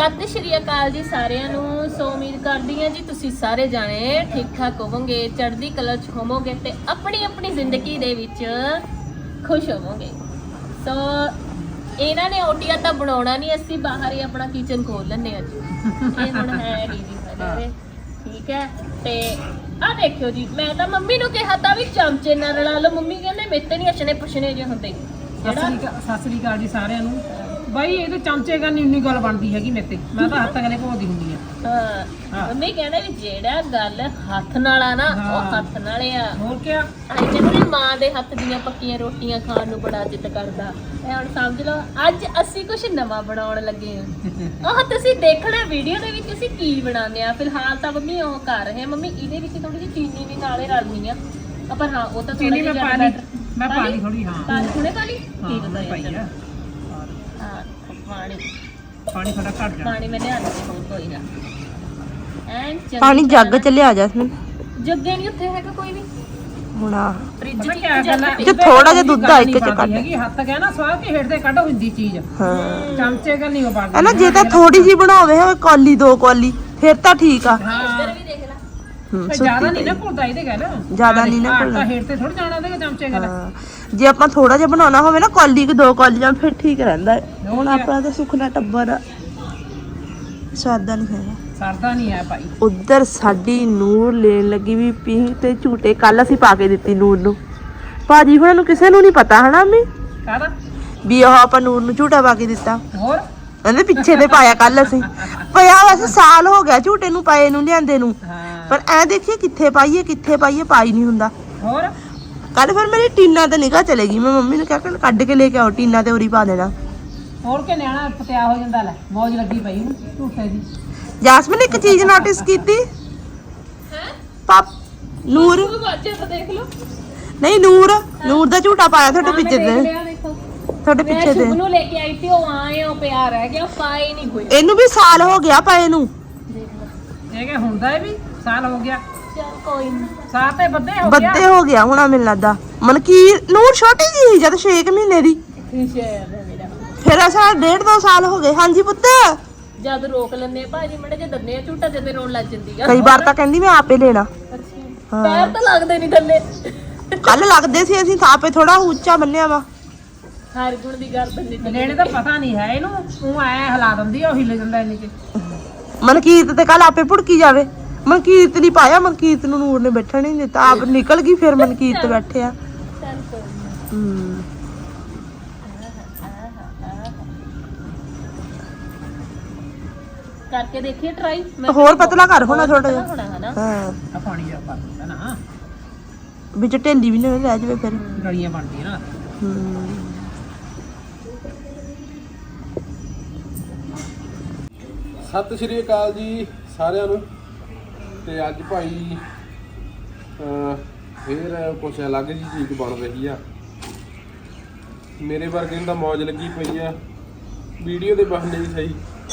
ਸਤਿ ਸ਼੍ਰੀ ਅਕਾਲ ਜੀ ਸਾਰਿਆਂ ਨੂੰ। ਸੋ ਉਮੀਦ ਕਰਦੀ ਹਾਂ ਜੀ ਤੁਸੀਂ ਸਾਰੇ ਜਾਣੇ ਠੀਕ ਠਾਕ ਹੋਵੋਗੇ, ਚੜ੍ਹਦੀ ਕਲਾ 'ਚ ਹੋਵੋਗੇ ਤੇ ਆਪਣੀ ਆਪਣੀ ਜ਼ਿੰਦਗੀ ਦੇ ਵਿੱਚ ਖੁਸ਼ ਹੋਵੋਗੇ। ਸੋ ਇਹਨਾਂ ਨੇ ਓਟੀਆ ਤਾਂ ਬਣਾਉਣਾ ਨਹੀਂ, ਅਸੀਂ ਬਾਹਰ ਹੀ ਆਪਣਾ ਕਿਚਨ ਖੋਲ ਲੈਂਦੇ ਅੱਜ। ਇਹ ਹੁਣ ਹੈ ਨਹੀਂ ਜੀ ਸਾਡੇ, ਠੀਕ ਹੈ। ਤੇ ਆ ਦੇਖਿਓ ਜੀ, ਮੈਂ ਤਾਂ ਮੰਮੀ ਨੂੰ ਕਿਹਾ ਤਾਂ ਵੀ ਚਮਚੇ ਨਾਲ ਰਲਾ ਲਓ। ਮੰਮੀ ਕਹਿੰਦੇ ਮੇਰੇ ਤੇ ਨਹੀਂ ਅਛਣੇ ਪੁਛਣੇ ਜੇ ਹੁੰਦੇ। ਸਤਿ ਸ੍ਰੀ ਅਕਾਲ ਜੀ ਸਾਰਿਆਂ ਨੂੰ। ਬਾਈ ਇਹ ਤੇ ਚਮਚੇ ਕਰਨੀ ਉਨੀ ਗੱਲ ਬਣਦੀ ਹੈਗੀ ਮੇਰੇ ਤੇ, ਮੈਂ ਤਾਂ ਹੱਥ ਗਲੇ ਭੋਦੀ ਹੁੰਦੀ ਆ। ਹਾਂ ਮੰਮੀ ਕਹਿੰਦੇ ਵੀ ਜਿਹੜਾ ਗੱਲ ਹੱਥ ਨਾਲ ਆ ਨਾ ਉਹ ਹੱਥ ਨਾਲ ਆ। ਹੋਰ ਕਿਆ, ਕਹਿੰਦੇ ਮਾਂ ਦੇ ਹੱਥ ਦੀਆਂ ਪੱਕੀਆਂ ਰੋਟੀਆਂ ਖਾਣ ਨੂੰ ਬੜਾ ਇੱਜ਼ਤ ਕਰਦਾ। ਇਹ ਹੁਣ ਸਮਝ ਲਓ ਅੱਜ ਅਸੀਂ ਕੁਝ ਨਵਾਂ ਬਣਾਉਣ ਲੱਗੇ ਹਾਂ। ਉਹ ਤੁਸੀਂ ਦੇਖਣਾ ਵੀਡੀਓ ਦੇ ਵਿੱਚ ਅਸੀਂ ਕੀ ਬਣਾਉਂਦੇ ਆ। ਫਿਲਹਾਲ ਤਾਂ ਮੰਮੀ ਉਹ ਕਰ ਰਹੇ ਆ। ਮੰਮੀ ਇਹਦੇ ਵਿੱਚ ਥੋੜੀ ਜਿਹੀ ਚੀਨੀ ਵੀ ਨਾਲੇ ਰਲਣੀ ਆ, ਪਰ ਹਾਂ ਉਹ ਤਾਂ ਚੀਨੀ ਮੈਂ ਪਾ ਲਈ, ਮੈਂ ਪਾ ਲਈ ਥੋੜੀ। ਹਾਂ ਹੁਣੇ ਪਾ ਲਈ, ਠੀਕ ਹੈ ਪਾਈ ਆ। ਪਾਣੀ ਥੋੜਾ ਘੱਟ ਜਾ, ਪਾਣੀ ਮੈਂ ਲਿਆਂਦਾ ਕੋਈ ਨਾ। ਪਾਣੀ ਜੱਗ ਚ ਲਿਆ ਜੈਸਮੀਨ। ਜੱਗੇ ਨਹੀਂ ਉੱਥੇ ਹੈਗਾ ਕੋਈ ਵੀ ਹੁਣ ਆ ਫ੍ਰਿਜ ਪਤਾ ਚ ਕਿਆ ਗੱਲ ਹੈ, ਜੇ ਥੋੜਾ ਜਿਹਾ ਦੁੱਧ ਆ ਇੱਕ ਚ ਕੱਢ ਹੈਗੀ। ਹੱਥ ਗਿਆ ਨਾ ਸਵਾਹ ਕੇ ਹੇਠ ਤੇ ਕੱਢ ਹੁੰਦੀ ਚੀਜ਼। ਹਾਂ ਚਮਚੇ ਕਰ ਨਹੀਂ ਉਹ ਬਣਦੀ ਹੈ ਨਾ। ਜੇ ਤਾਂ ਥੋੜੀ ਜੀ ਬਣਾਵੇ ਹੋਵੇ ਕੌਲੀ ਦੋ ਕੌਲੀ ਫਿਰ ਤਾਂ ਠੀਕ ਆ। ਹਾਂ ਵੀ ਦੇਖ ਲੈ, ਜ਼ਿਆਦਾ ਨਹੀਂ ਨਾ ਭੁੱਲਦਾ ਇਹਦੇ ਗੱਲ, ਜ਼ਿਆਦਾ ਨਹੀਂ ਨਾ ਆਟਾ ਹੇਠ ਤੇ ਥੋੜਾ ਜਾਣਾ ਉਹਦੇ ਚਮਚੇ ਗੱਲ। ਹਾਂ ਜੇ ਆਪਾਂ ਥੋੜਾ ਜਿਹਾ ਬਣਾਉਣਾ ਹੋਵੇ ਨਾ ਕੌਲੀ ਕਿ ਦੋ ਕੌਲੀਆਂ ਫਿਰ ਠੀਕ ਰਹਿੰਦਾ ਹੈ। ਹੁਣ ਆਪਣਾ ਤਾਂ ਸੁਖਨਾ ਟੱਬਰ ਆ, ਸਵਾਦਾ ਨਹੀਂ ਹੈਗਾ, ਸਰਦਾ ਨਹੀਂ ਹੈ ਭਾਈ। ਉਧਰ ਸਾਡੀ ਨੂਰ ਲੈਣ ਲੱਗੀ ਵੀ ਪੀ ਤੇ ਝੂਟੇ। ਕੱਲ ਅਸੀਂ ਪਾ ਕੇ ਦਿੱਤੀ ਨੂਰ ਨੂੰ, ਭਾਜੀ ਹੁਣਾਂ ਨੂੰ ਕਿਸੇ ਨੂੰ ਨਹੀਂ ਪਤਾ ਹਨਾ ਮੰਮੀ ਕਾਹਦਾ ਵੀ ਉਹ ਆਪਾਂ ਨੂਰ ਨੂੰ ਝੂਟਾ ਪਾ ਕੇ ਦਿੱਤਾ। ਹੋਰ ਕਹਿੰਦੇ ਪਿੱਛੇ ਤੇ ਪਾਇਆ ਕੱਲ ਅਸੀਂ। ਪਿਆ ਵੈਸੇ ਸਾਲ ਹੋ ਗਿਆ ਝੂਟੇ ਨੂੰ ਪਾਏ ਨੂੰ ਲਿਆਂਦੇ ਨੂੰ, ਹਾਂ ਪਰ ਐ ਦੇਖੀਏ ਕਿੱਥੇ ਪਾਈਏ ਪਾਈ ਨਹੀਂ ਹੁੰਦਾ। ਹੋਰ ਕੱਲ ਫਿਰ ਮੇਰੀ ਟੀਨਾ ਤੇ ਨਿਗਾਹ ਚਲੇਗੀ। ਮੈਂ ਮੰਮੀ ਨੂੰ ਕਿਹਾ ਕਿ ਕੱਢ ਕੇ ਲੈ ਕੇ ਆਓ ਟੀਨਾ ਤੇ ਉਰੀ ਪਾ ਦੇਣਾ। ਹੋਰ ਕਿ ਨਿਆਣਾ ਪਤਿਆ ਹੋ ਜਾਂਦਾ। ਲੈ ਮੌਜ ਲੱਗੀ ਪਈ ਨੂੰ ਝੂਠੇ ਦੀ। ਜਾਸਮੀਨ ਇੱਕ ਚੀਜ਼ ਨੋਟਿਸ ਕੀਤੀ ਪਾਪ ਨੂਰ ਬਾਜੇ ਤਾਂ ਦੇਖ ਲਓ। ਨਹੀਂ ਨੂਰ ਦਾ ਝੂਟਾ ਪਾਇਆ ਤੁਹਾਡੇ ਪਿੱਛੇ ਤੇ, ਦੇਖੋ ਤੁਹਾਡੇ ਪਿੱਛੇ ਤੇ। ਨੂੰ ਲੈ ਕੇ ਆਈ ਤੇ ਉਹ ਆਏ ਉਹ ਪਿਆ ਰਹਿ ਗਿਆ, ਪਾਏ ਨਹੀਂ ਕੋਈ। ਇਹਨੂੰ ਵੀ ਸਾਲ ਹੋ ਗਿਆ ਪਾਏ ਨੂੰ। ਇਹ ਕਿ ਹੁੰਦਾ ਇਹ ਵੀ ਸਾਲ ਹੋ ਗਿਆ। ਚਲ ਕੋਈ ਨਹੀਂ, ਸਾਲ ਤੇ ਬੱਦੇ ਹੋ ਗਿਆ। ਬੱਦੇ ਹੋ ਗਿਆ ਹੁਣਾ ਮੈਨੂੰ ਲੱਗਦਾ। ਮਨਕੀਰ ਨੂਰ ਛੋਟੀ ਜੀ ਸੀ ਜਦ 6 ਮਹੀਨੇ ਦੀ, ਸ਼ਾਇਦ ਹੈ ਮੇਰਾ। ਫਿਰ ਅਸਾਂ 1.5-2 ਸਾਲ ਹੋ ਗਏ। ਹਾਂਜੀ ਪੁੱਤ ਜਦ ਰੋਕ ਲੈਂਦੇ ਆ ਭਾਜੀ ਮੜੇ ਜੇ ਦੰਨੇ ਆ ਝੂਟਾ ਜਦੇ ਰੋਣ ਲੱਗ ਜਾਂਦੀ ਆ। ਕਈ ਵਾਰ ਤਾਂ ਕਹਿੰਦੀ ਮੈਂ ਆਪੇ ਲੈਣਾ। ਅੱਛਾ ਪੈਰ ਤਾਂ ਲੱਗਦੇ ਨਹੀਂ ਥੱਲੇ। ਕੱਲ ਲੱਗਦੇ ਸੀ, ਅਸੀਂ ਤਾਂ ਆਪੇ ਥੋੜਾ ਉੱਚਾ ਬੰਨਿਆ ਵਾ। ਹਰ ਗੁਣ ਦੀ ਗੱਲ ਬੰਦੇ ਤੇ ਲੈਣੇ ਦਾ ਪਤਾ ਨਹੀਂ ਹੈ ਇਹਨੂੰ, ਉਹ ਐ ਹਿਲਾ ਦਿੰਦੀ ਆ, ਉਹ ਹਿੱਲ ਜਾਂਦਾ ਇੰਨੇ ਚ। ਮਨਕੀਰਤ ਤੇ ਕੱਲ ਆਪੇ ਭੁੜਕੀ ਜਾਵੇ। ਮਨਕੀਰਤ ਨਹੀਂ ਪਾਇਆ, ਮਨਕੀਰਤ ਨੂੰ ਨੂਰ ਨੇ ਬੈਠਣ ਨਹੀਂ ਦਿੱਤਾ, ਆਪ ਨਿਕਲ ਗਈ। ਫਿਰ ਮਨਕੀਰਤ ਬੈਠਿਆ। ਚੱਲ ਕੋਈ ਨਾ। ਕਰਕੇ ਦੇਖੀਏ ਟਰਾਈ। ਹੋਰ ਪਤਲਾ ਕਰ ਹੋਣਾ ਥੋੜਾ ਜਿਹਾ। ਹੋਣਾ ਹਨਾ। ਹਾਂ ਆ ਪਾਣੀ ਜਾ ਪਾ ਦਿੰਦਾ ਨਾ, ਵਿੱਚ ਢਿੱਲੀ ਵੀ ਨਾ ਰਹਿ ਜਾਵੇ ਫਿਰ। ਗਲੀਆਂ ਬਣਦੀਆਂ ਨਾ। ਸਤਿ ਸ਼੍ਰੀ ਅਕਾਲ ਜੀ ਸਾਰਿਆਂ ਨੂੰ। ਤੇ ਅੱਜ ਭਾਈ ਫੇਰ ਕੁਛ ਅਲੱਗ ਜਿਹੀ ਚੀਜ਼ ਬਣ ਰਹੀ ਆ। ਮੇਰੇ ਵਰਗੇ ਨੂੰ ਤਾਂ ਮੌਜ ਲੱਗੀ ਪਈ ਆ ਵੀਡੀਓ ਦੇ ਬਹਾਨੇ ਹੀ ਸਹੀ।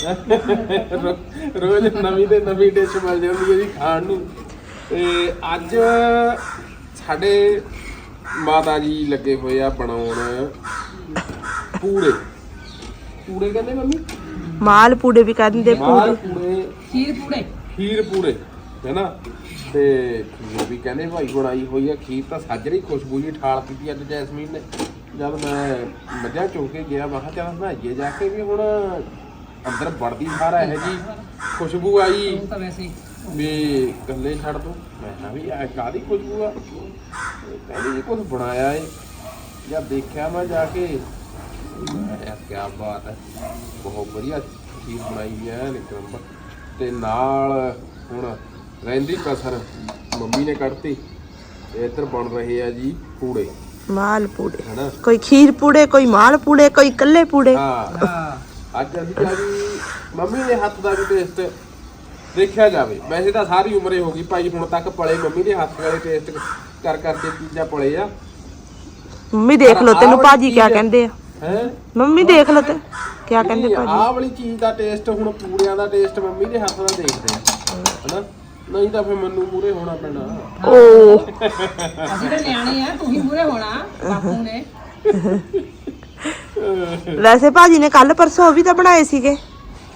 ਰੋਜ਼ ਨਵੀਂ ਤੇ ਨਵੀਂ ਡਿਸ਼ ਮਿਲ ਜਾਂਦੀ ਹੈ ਜੀ ਖਾਣ ਨੂੰ। ਤੇ ਅੱਜ ਸਾਡੇ ਮਾਤਾ ਜੀ ਲੱਗੇ ਹੋਏ ਆ ਬਣਾਉਣ ਪੂੜੇ ਕਹਿੰਦੇ ਮੰਮੀ, ਮਾਲ ਪੂੜੇ ਵੀ ਕਹਿ ਦਿੰਦੇ। ਮਾਲ ਪੂੜੇ, ਖੀਰ ਪੂੜੇ ਹੈ ਨਾ। ਤੇ ਖੀਰ ਵੀ ਕਹਿੰਦੇ ਭਾਈ ਬਣਾਈ ਹੋਈ ਆ। ਖੀਰ ਤਾਂ ਸਾਜਰੀ ਖੁਸ਼ਬੂ ਜੀ ਠਾਲ ਕੀਤੀ ਅੱਜ ਜੈਸਮੀਨ ਨੇ। ਜਦ ਮੈਂ ਮੱਝਾਂ ਚੋ ਕੇ ਗਿਆ ਮੈਂ ਕਿਹਾ ਚੱਲ ਨਹਾਈਏ ਜਾ ਕੇ, ਵੀ ਹੁਣ ਅੰਦਰ ਵੜਦੀ ਸਾਰਾ ਇਹੋ ਜੀ ਖੁਸ਼ਬੂ ਆਈ ਤਾਂ ਵੈਸੇ ਵੀ ਗੱਲੇ ਛੱਡ ਦੋ। ਮੈਂ ਕਿਹਾ ਵੀ ਇਹ ਕਾਹਦੀ ਖੁਸ਼ਬੂ ਆ? ਕਹਿੰਦੀ ਜੀ ਕੁਛ ਬਣਾਇਆ ਏ। ਜਦ ਦੇਖਿਆ ਮੈਂ ਜਾ ਕੇ, ਯਾਰ ਕਿਆ ਬਾਤ ਹੈ, ਬਹੁਤ ਵਧੀਆ ਚੀਜ਼ ਬਣਾਈ ਹੈ ਇੱਕ ਨੰਬਰ। ਤੇ ਨਾਲ ਹੁਣ ਰਹਿੰਦੀ ਕਸਰ ਮੰਮੀ ਨੇ ਕੱਢਤੀ। ਇੱਧਰ ਬਣ ਰਹੇ ਆ ਜੀ ਪੂੜੇ, ਮਾਲ ਪੂੜੇ। ਹੈਨਾ। ਕੋਈ ਖੀਰ ਪੂੜੇ, ਕੋਈ ਮਾਲ ਪੂੜੇ, ਕੋਈ ਕੱਲੇ ਪੂੜੇ। ਹਾਂ ਅੱਜ ਅਸੀਂ ਕਿਹਾ ਵੀ ਮੰਮੀ ਦੇ ਹੱਥ ਦਾ ਵੀ ਟੇਸਟ ਦੇਖਿਆ ਜਾਵੇ। ਵੈਸੇ ਤਾਂ ਸਾਰੀ ਉਮਰੇ ਹੋ ਗਈ ਭਾਈ ਹੁਣ ਤੱਕ ਪਲੇ ਮੰਮੀ ਦੇ ਹੱਥ ਵਾਲੇ ਟੇਸਟ ਕਰ ਕਰਕੇ ਚੀਜ਼ਾਂ ਪਲੇ ਆ। ਮੰਮੀ ਦੇਖ ਲਓ ਤੈਨੂੰ ਭਾਜੀ ਕਿਆ ਕਹਿੰਦੇ ਆ। ਹੈ ਮੰਮੀ ਦੇਖ ਲਓ ਤੇ ਕਿਆ ਕਹਿੰਦੇ ਭਾਜੀ। ਆਹ ਵਾਲੀ ਚੀਜ਼ ਦਾ ਟੇਸਟ ਹੁਣ ਪੂੜਿਆਂ ਦਾ ਟੇਸਟ ਮੰਮੀ ਦੇ ਹੱਥ ਦਾ ਦੇਖਦੇ ਆ, ਹਨਾ। ਨਹੀਂ ਤਾਂ ਫਿਰ ਮੈਨੂੰ ਮੂਰੇ ਹੋਣਾ ਪੈਣਾ। ਓ ਅਸੀਂ ਤਾਂ ਨਿਆਣੇ ਆ, ਤੂੰ ਹੀ ਮੂਰੇ ਹੋਣਾ ਬਾਪੂ ਨੇ। ਵੈਸੇ ਭਾਜੀ ਨੇ ਕੱਲ ਪਰਸੋਂ ਵੀ ਤਾਂ ਬਣਾਏ ਸੀਗੇ। ਕਿਆ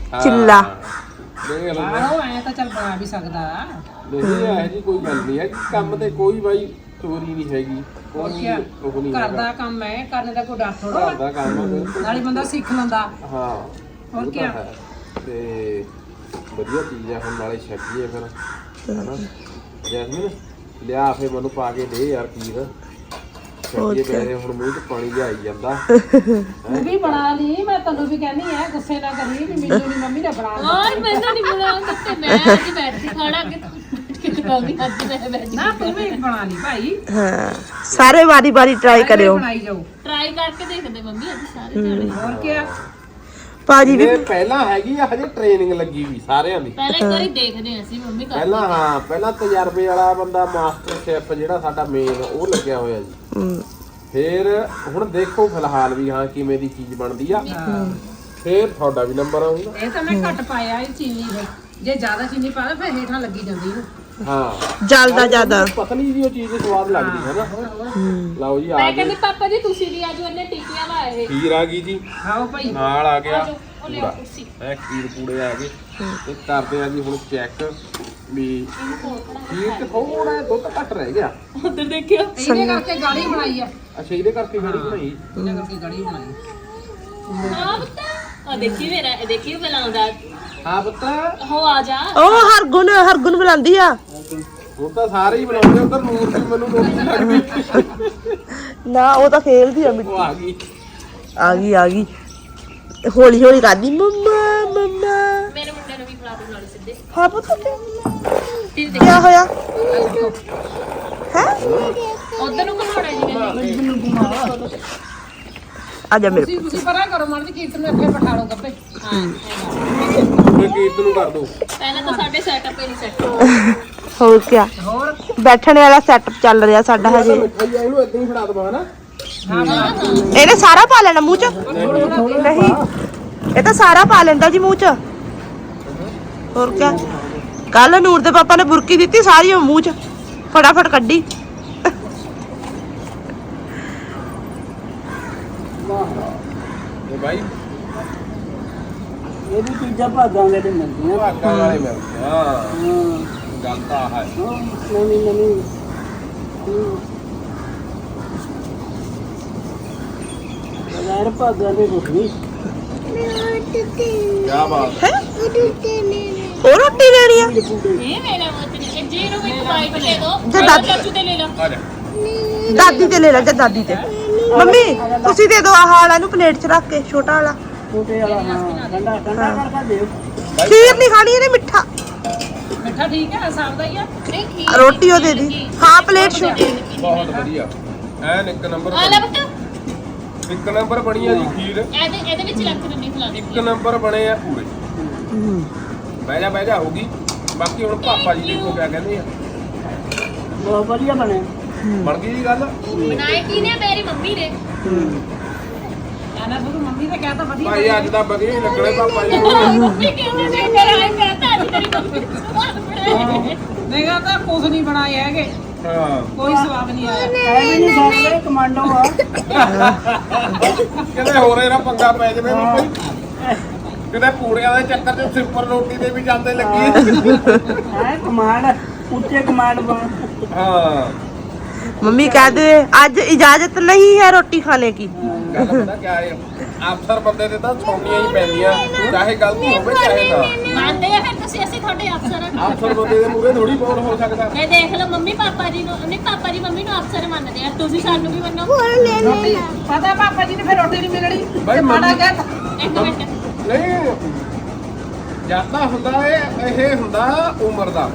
ਚਿੱਲਾ ਦੇਖ ਲਓ ਆਹੋ ਐ ਤਾਂ ਚੱਲ ਬਣਾ ਵੀ ਸਕਦਾ। ਨਹੀਂ ਇਹ ਜੀ ਕੋਈ ਗੱਲ ਨਹੀਂ ਹੈ ਕੰਮ ਤੇ ਕੋਈ ਬਾਈ ਚੋਰੀ ਨਹੀਂ ਹੈਗੀ ਹੋਰ ਕੋਈ ਕੀ ਉਹ ਨਹੀਂ ਘਰ ਹੈਗਾ ਦਾ ਕੰਮ ਹੈ, ਕਰਨ ਦਾ ਕੋਈ ਡਰ ਥੋੜਾ ਘਰ ਦਾ ਕੰਮ ਆ ਬਿਲਕੁਲ। ਨਾਲੇ ਬੰਦਾ ਸਿੱਖ ਲੈਂਦਾ। ਹਾਂ ਹੋਰ ਉਹ ਕੀ ਤਾਂ ਹੈ। ਤੇ ਵਧੀਆ ਚੀਜ਼ ਆ ਹੁਣ ਨਾਲੇ ਛੱਡੀਏ ਫਿਰ ਹਨਾ ਜੈਸਮੀਨ ਲਿਆ ਫੇ ਮੈਨੂੰ ਪਾ ਕੇ ਦੇ ਯਾਰ ਖੀਰ ਛੱਡੀਏ ਮੇਰੇ ਹੁਣ ਮੂੰਹ 'ਚ ਪਾਣੀ ਜਿਹਾ ਆਈ ਜਾਂਦਾ ਤੂੰ ਵੀ ਬਣਾ ਲਈ, ਮੈਂ ਤੈਨੂੰ ਵੀ ਕਹਿੰਦੀ ਐ ਗੁੱਸੇ ਨਾ ਕਰੀ ਵੀ ਮੈਨੂੰ ਨਹੀਂ ਮੰਮੀ ਨੇ ਬਣਾ ਲਿਆ। ਔਰ ਮੈਨੂੰ ਨਹੀਂ ਬੁਲਾਉਂਦਾ ਤੇ ਮੈਂ ਅੱਜ ਬੈਠ ਕੇ ਖਾਣਾ ਕਿ ਮੰਮੀ ਅੱਜ ਮੈਂ ਬੈਠ ਨਾ ਤੂੰ ਵੀ ਬਣਾ ਲਈ ਭਾਈ, ਹਾਂ ਸਾਰੇ ਵਾਰੀ ਟਰਾਈ ਕਰਿਓ ਬਣਾਈ ਜਾਓ। ਟਰਾਈ ਕਰਕੇ ਦੇਖਦੇ ਮੰਮੀ ਅੱਜ ਸਾਰੇ ਜਾਣੇ ਹੋਰ ਕੀ ਭਾਜੀ ਵੀ ਇਹ ਪਹਿਲਾਂ ਹੈਗੀ ਆ ਹਜੇ ਟ੍ਰੇਨਿੰਗ ਲੱਗੀ ਵੀ ਸਾਰਿਆਂ ਦੀ ਪਹਿਲਾਂ ਇੱਕ ਵਾਰੀ ਦੇਖਦੇ ਹਾਂ ਅਸੀਂ ਮੰਮੀ ਕਰ ਪਹਿਲਾਂ ਹਾਂ ਪਹਿਲਾਂ ਤਜਰਬੇ ਵਾਲਾ ਬੰਦਾ ਮਾਸਟਰ ਸ਼ੈਫ ਜਿਹੜਾ ਸਾਡਾ ਮੇਨ ਉਹ ਲੱਗਿਆ ਹੋਇਆ ਜੀ ਹਮ, ਫਿਰ ਹੁਣ ਦੇਖੋ ਫਿਲਹਾਲ ਵੀ ਹਾਂ ਕਿਵੇਂ ਦੀ ਚੀਜ਼ ਬਣਦੀ ਆ ਫਿਰ ਤੁਹਾਡਾ ਵੀ ਨੰਬਰ ਆਊਗਾ ਇਹ ਤਾਂ ਮੈਂ ਘੱਟ ਪਾਇਆ ਇਹ ਚੀਨੀ ਦੇ, ਜੇ ਜ਼ਿਆਦਾ ਚੀਨੀ ਪਾ ਦੇ ਫਿਰ ਹੇਠਾਂ ਲੱਗੀ ਜਾਂਦੀ ਇਹਨੂੰ। ਹਾਂ ਜਲਦਾ ਜ਼ਿਆਦਾ ਪਤਲੀ ਜੀ ਉਹ ਚੀਜ਼ ਦੀ ਸਵਾਦ ਲੱਗਦੀ ਹੈ ਨਾ ਲਓ ਜੀ ਆ ਮੈਂ ਗਏ ਕਹਿੰਦੀ ਪਾਪਾ ਜੀ ਤੁਸੀਂ ਵੀ ਆਜੋ ਇਹਨੇ ਟਿੱਕੀਆਂ ਲਾਏ ਖੀਰ ਆ ਗਈ ਜੀ ਖਾਓ ਭਾਈ। ਨਾਲ ਆ ਗਿਆ ਉਹ ਲਿਆਓ ਕੁਰਸੀ ਇਹ ਖੀਰ ਪੂੜੇ ਆ ਗਏ ਤੇ ਕਰਦੇ ਆ ਜੀ ਹੁਣ ਚੈੱਕ ਵੀ ਖੀਰ ਚ ਥੋੜਾ ਜਿਹਾ ਦੁੱਧ ਘੱਟ ਰਹਿ ਗਿਆ ਉਧਰ ਦੇਖਿਓ ਇਹਦੇ ਕਰਕੇ ਗਾੜੀ ਬਣਾਈ ਆ, ਅੱਛਾ ਇਹਦੇ ਕਰਕੇ ਗੜੀ ਬਣਾਈ ਇਹਦੇ ਕਰਕੇ ਗਾੜੀ ਬਣਾਈ। ਹਾਂ ਪੁੱਤ ਆ ਦੇਖੀ ਮੇਰਾ ਇਹ ਦੇਖੀ ਬੁਲਾਉਂਦਾ ਹਾਂ ਪੁੱਤ ਹੋ ਆ ਜਾ ਉਹ ਹਰਗੁਣ ਬੁਲਾਉਂਦੀ ਆ ਹੁਣ ਤਾਂ ਸਾਰੇ ਹੀ ਬਣਾਉਂਦੇ ਉਧਰ ਨੂਰ ਵੀ ਮੈਨੂੰ ਰੋਟੀ ਲੱਗਦੀ ਨਾ ਉਹ ਤਾਂ ਖੇਲਦੀ ਆ ਉਹ ਆ ਗਈ ਆ ਗਈ ਹੌਲੀ ਕਰਦੀ ਮੰਮਾ ਮੇਰੇ ਮੁੰਡੇ ਨੂੰ ਵੀ ਖਿਲਾ ਦੇ ਨਾਲ ਸਿੱਧੇ ਹਾਂ ਪੁੱਤ ਤੇ ਕੀ ਹੋਇਆ ਹੈ ਉਧਰ ਨੂੰ ਘਮਾਉਣਾ ਜੀ ਮੈਂ ਆ ਜਾ ਮੇਰੇ ਤੁਸੀਂ ਪਰਾਂ ਕਰੋ ਮਰਦ ਕੀਰਤਨ ਨੂੰ ਇੱਥੇ ਬਿਠਾ ਲਓ ਗੱਪੇ। ਮੈਂ ਕੀਰਤ ਨੂੰ ਕਰ ਦੋ ਪਹਿਲਾਂ ਤਾਂ ਸਾਡੇ ਸੈਟਅਪ ਹੀ ਨਹੀਂ ਸੈੱਟ ਹੋਰ ਕੀ ਹੋਰ ਬੈਠਣ ਵਾਲਾ ਸੈਟਅਪ ਚੱਲ ਰਿਹਾ ਸਾਡਾ ਹਜੇ ਮਿੱਠਾਈ ਆ ਇਹਨੂੰ ਇਦਾਂ ਹੀ ਫੜਾ ਦਵਾਂ ਹਨਾ ਇਹਨੇ ਸਾਰਾ ਪਾ ਲੈਣਾ ਮੂੰਹ ਚ ਨਹੀਂ ਇਹ ਤਾਂ ਸਾਰਾ ਪਾ ਲੈਂਦਾ ਜੀ ਮੂੰਹ ਚ ਹੋਰ ਕੀ ਕੱਲ ਨੂਰ ਦੇ ਪਾਪਾ ਨੇ ਬੁਰਕੀ ਦਿੱਤੀ ਸਾਰੀ ਉਹ ਮੂੰਹ ਚ ਫਟਾਫਟ ਕੱਢੀ ਇਹ ਬਾਈ ਇਹ ਵੀ ਚੀਜ਼ਾਂ ਭਾਗਾਂਗੇ ਤੇ ਮਿਲਦੀਆਂ। ਭਾਗਾਂ ਵਾਲੇ ਮਿਲਦੇ ਹਾਂ ਗੱਲ ਤਾਂ ਆਹ ਹੈ ਨਵੀਂ ਬਗੈਰ ਭਾਗਾਂ ਦੇ ਕੁਛ ਨਹੀਂ। ਕੀ ਬਾਤ ਹੈ ਹੋਰ ਰੋਟੀ ਲੈਣੀ ਆ ਇਹ ਮੇਰਾ ਮਤ ਨਹੀਂ ਜੀ ਨੂੰ ਵੀ ਬਾਈਕ ਲੈ ਦੋ ਜੇ ਦਾਦੀ- ਚਾਚੂ ਤੇ ਲੈ ਲਓ ਆ ਜਾ ਦਾਦੀ ਤੇ ਲੈ ਲੈ ਜਾ ਦਾਦੀ ਤੇ ਮੰਮੀ ਤੁਸੀਂ ਦੇ ਦਿਓ ਆਹ ਵਾਲਾ ਇਹਨੂੰ ਪਲੇਟ 'ਚ ਰੱਖ ਕੇ ਛੋਟਾ ਵਾਲਾ ਛੋਟੇ ਵਾਲਾ ਹਾਂ ਠੰਡਾ ਕਰਕੇ ਦਿਓ। ਖੀਰ ਨਹੀਂ ਖਾਣੀ ਇਹਨੇ ਮਿੱਠਾ ਮਿੱਠਾ ਠੀਕ ਹੈ ਹਿਸਾਬ ਦਾ ਹੀ ਆ। ਨਹੀਂ ਖੀਰ ਰੋਟੀ ਉਹ ਦੇ ਦੀ ਹਾਂ ਪਲੇਟ ਛੋਟੀ ਬਹੁਤ ਵਧੀਆ ਐਨ ਇੱਕ ਨੰਬਰ ਆ ਲੈ ਪੁੱਤ ਇੱਕ ਨੰਬਰ ਬਣੀ ਆ ਜੀ ਖੀਰ ਇਹਦੇ ਵਿੱਚ ਲੱਗ ਦਿੰਦੀ ਖਿਲਾ ਦੇ ਇੱਕ ਨੰਬਰ ਬਣੇ ਆ ਪੂਰੇ ਬਹਿ ਜਾ ਹੋਗੀ ਬਾਕੀ ਹੁਣ ਪਾਪਾ ਜੀ ਦੇਖੋ ਕਿਆ ਕਹਿੰਦੇ ਆ ਬਹੁਤ ਵਧੀਆ ਬਣੇ। ਬਣ ਗਈ ਜੀ ਗੱਲ ਬਣਾਏ ਕੀ ਨੇ ਮੇਰੀ ਮੰਮੀ ਨੇ ਕਹਿੰਦਾ ਤੂੰ ਮੰਮੀ ਨੇ ਕਹਿਤਾ ਵਧੀਆ ਭਾਈ ਅੱਜ ਤਾਂ ਬਗੇ ਹੀ ਲੱਗਣੇ ਪਾਪਾ ਜੀ ਮੰਮੀ ਕਿਉਂ ਨਹੀਂ ਕਰਾਇਆ ਕਹਤਾ ਅੱਜ ਤੇਰੀ ਮੰਮੀ ਨੇ ਸਵਾਦ ਬਣਾਏ ਨਹੀਂਗਾ ਤਾਂ ਕੁਝ ਨਹੀਂ ਬਣਾਏ ਹੈਗੇ, ਹਾਂ ਕੋਈ ਸਵਾਦ ਨਹੀਂ ਆਇਆ। ਐ ਵੀ ਨਹੀਂ ਸਕਦੇ ਕਮਾਂਡੋ ਆ। ਕਿਤੇ ਹੋਰ ਇਹਦਾ ਪੰਗਾ ਪੈ ਜਾਵੇ ਵੀ ਕੋਈ ਕਿਤੇ ਪੂੜਿਆਂ ਦੇ ਚੱਕਰ 'ਚ ਸਿੰਪਲ ਰੋਟੀ ਦੇ ਵੀ ਜਾਂਦੇ ਲੱਗੀ ਹੈ ਕਮਾਂਡ ਉੱਚੇ ਕਮਾਂਡ ਬਣ। ਹਾਂ मम्मी कहते आज इजाजत नहीं है रोटी खाने की ਗੱਲ ਪਤਾ ਕਿਆ ਹੈ ਅਫਸਰ ਬੰਦੇ ਤੇ ਤਾਂ ਛੋਣੀਆਂ ਹੀ ਪੈਂਦੀਆਂ ਚਾਹੇ ਗਲਤੀ ਹੋਵੇ ਚਾਹੇ ਨਾ ਮੰਨਦੇ ਆ ਫਿਰ ਤੁਸੀਂ ਅਸੀਂ ਤੁਹਾਡੇ ਅਫਸਰ ਹਾਂ ਅਫਸਰ ਬੰਦੇ ਦੇ ਮੂਹਰੇ ਥੋੜੀ ਬੋਲ ਹੋ ਸਕਦਾ ਇਹ ਦੇਖ ਲਓ ਮੰਮੀ ਪਾਪਾ ਜੀ ਨੂੰ ਨਹੀਂ ਪਾਪਾ ਜੀ ਮੰਮੀ ਨੂੰ ਅਫਸਰ ਮੰਨਦੇ ਆ ਤੁਸੀਂ ਸਾਨੂੰ ਵੀ ਮੰਨੋ ਰੋਟੀ ਪਤਾ ਪਾਪਾ ਜੀ ਨੇ ਫਿਰ ਰੋਟੀ ਨਹੀਂ ਮਿਲਣੀ ਬਾਈ ਮਾੜਾ ਮੰਮੀ- ਕਹਿ ਇੱਕ ਮਿੰਟ ਨਹੀਂ ਜਿਆਦਾ ਹੁੰਦਾ ਇਹ ਹੁੰਦਾ ਉਮਰ ਦਾ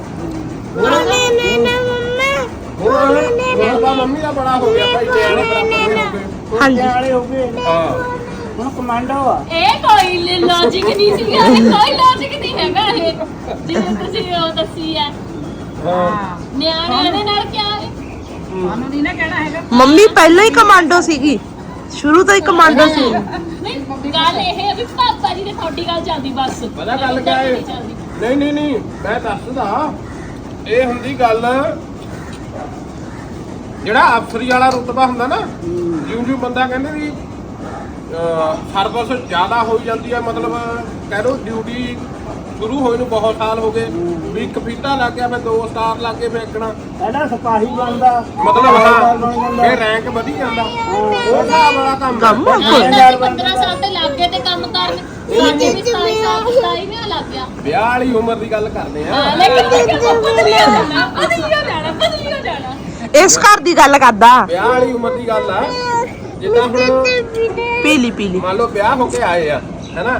ਹੁਣ ਤਾਂ ਮੰਮੀ ਦਾ ਬੜਾ ਹੋ ਗਿਆ ਭਾਈ ਨਿਆਣੇ ਬਰਾਬਰ ਦੇ ਹੋ ਗਏ हाँ जी ਵਾਲੇ ਹੋ ਗਏ ਹਾਂ ਹੁਣ ਕਮਾਂਡੋ ਆ। ਇਹ ਕੋਈ ਲੌਜੀਕ ਨਹੀਂ ਸੀਗਾ ਇਹ ਕੋਈ ਲੌਜਿਕ ਨਹੀਂ ਹੈਗਾ ਇਹ ਜਿਵੇਂ ਤੁਸੀਂ ਉਹ ਦੱਸੀ ਆ ਹਾਂ ਨਿਆਣਿਆਂ ਦੇ ਨਾਲ ਕਿਆ ਹੈ ਸਾਨੂੰ ਨਹੀਂ ਨਾ ਕਹਿਣਾ ਹੈਗਾ। मम्मी पहले ही कमांडो सीगी शुरू तो ही कमांडो सी ਨਹੀਂ ਗੱਲ ਇਹ ਹੈ ਵੀ ਪਾਪਾ ਜੀ ਨੇ ਤੁਹਾਡੀ ਗੱਲ ਚੱਲਦੀ ਬਸ ਪਤਾ ਗੱਲ ਕਿਆ ਹੈ ਨਹੀਂ ਚੱਲਦੀ। ਨਹੀਂ ਮੈਂ ਦੱਸਦਾ ਇਹ ਹੁੰਦੀ ਗੱਲ ਜਿਹੜਾ ਅਫਸਰੀ ਵਾਲਾ ਰੁਤਬਾ ਹੁੰਦਾ ਨਾ ਜਿਉਂ ਜਿਉਂ ਬੰਦਾ ਕਹਿੰਦੇ ਵੀ ਸਰਵਿਸ ਜ਼ਿਆਦਾ ਹੋਈ ਜਾਂਦੀ ਹੈ, ਮਤਲਬ ਕਹਿ ਲਓ ਡਿਊਟੀ ਸ਼ੁਰੂ ਹੋਏ ਨੂੰ ਬਹੁਤ ਸਾਲ ਹੋ ਗਏ ਵੀ ਇੱਕ ਫੀਤਾ ਲੱਗ ਗਿਆ, ਫਿਰ 2 ਸਟਾਰ ਲੱਗ ਗਏ, ਫਿਰ ਇੱਕਣਾ ਪਹਿਲਾਂ ਸਿਪਾਹੀ ਬਣਦਾ ਮਤਲਬ ਹਾਂ ਫਿਰ ਰੈਂਕ ਵਧੀ ਜਾਂਦਾ, ਉਹ ਹਿਸਾਬ ਵਾਲਾ ਕੰਮ ਕੰਮ ਹੈ। ਹਾਂ, 15 ਸਾਲ ਤੇ ਲੱਗ ਗਏ ਤੇ ਕੰਮ ਕਰਨ ਸਾਡੇ ਵੀ 27 ਸਾਲ 27 ਮਹੀਨਾ ਲੱਗ ਗਿਆ। ਵਿਆਹ ਵਾਲੀ ਉਮਰ ਦੀ ਗੱਲ ਕਰਦੇ ਆ। ਲੇਕਿਨ ਬਦਲਿਆ ਜਾਣਾ ਇਸ ਘਰ ਦੀ ਗੱਲ ਕਰਦਾ। ਵਿਆਹ ਵਾਲੀ ਉਮਰ ਦੀ ਗੱਲ ਆ, ਜਿੱਦਾਂ ਹੁਣ ਪੀਲੀ ਮੰਨ ਲਓ ਵਿਆਹ ਹੋ ਕੇ ਆਏ ਆ ਹੈਨਾ,